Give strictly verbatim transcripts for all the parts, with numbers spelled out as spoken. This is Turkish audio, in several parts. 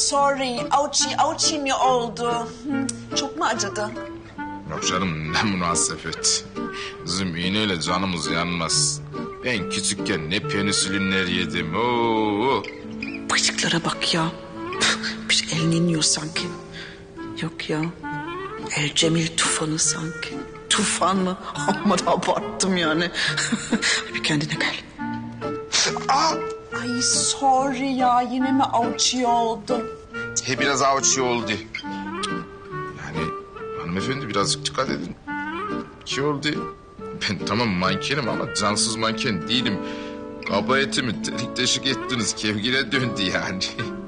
sorry. Auçi, auçi mi oldu? Hı, çok mu acıdı? Yok canım, ne münasebet. Bizim iğneyle canımız yanmaz. Ben küçükken ne penisilinler yedim. Oo. Bıyıklara bak ya. Bir elini iniyor sanki. Yok ya. Ercemil tufanı sanki. Tufan mı? Amma da abarttım yani. Bir kendine gel. Aa! Ay sorry ya, yine mi auçi oldun? He biraz avuçu oldu. Yani hanımefendi birazcık dikkat edin. Ki oldu? Ben tamam mankenim ama cansız manken değilim. Kaba etimi delik deşik ettiniz. Kevgire döndü yani.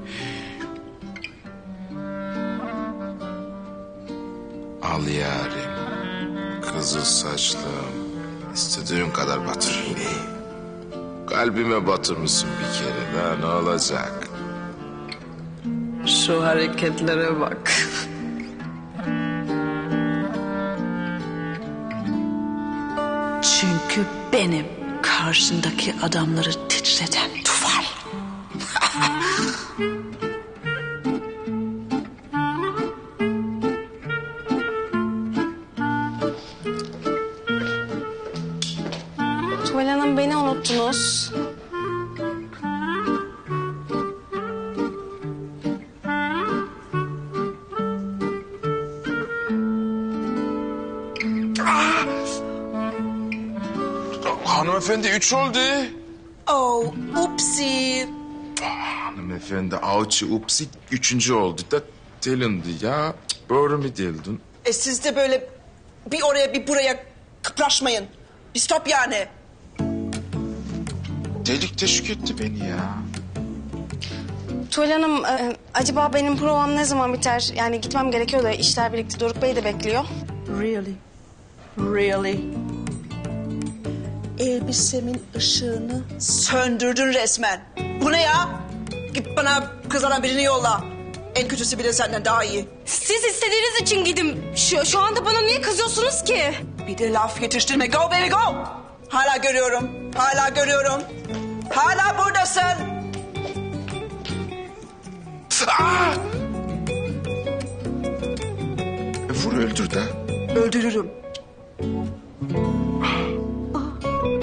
Al yarim. Kızıl saçlım. İstediğin kadar batır iğneyi. Kalbime batırmışsın bir kere. Daha ne olacak? Şu hareketlere bak. Çünkü benim karşındaki adamları titreten tufan. Tuval Hanım, beni unuttunuz. Hanımefendi üç oldu. Oh, upsi. Hanımefendi avcı upsi üçüncü oldu da delindi ya. Doğru mu deldin? E siz de böyle bir oraya bir buraya kıpraşmayın. Bir stop yani. Delik teşvik etti beni ya. Tuval Hanım, e, acaba benim provam ne zaman biter? Yani gitmem gerekiyor da işler birlikte. Doruk Bey de bekliyor. Really? Really? Elbisemin ışığını söndürdün resmen. Bu ne ya? Git bana kızaran birini yolla. En kötüsü bile senden daha iyi. Siz istediğiniz için gidin. Şu, şu anda bana niye kızıyorsunuz ki? Bir de laf yetiştirme. Go baby go. Hala görüyorum. Hala görüyorum. Hala buradasın. Aa! E, vur öldür de. Öldürürüm.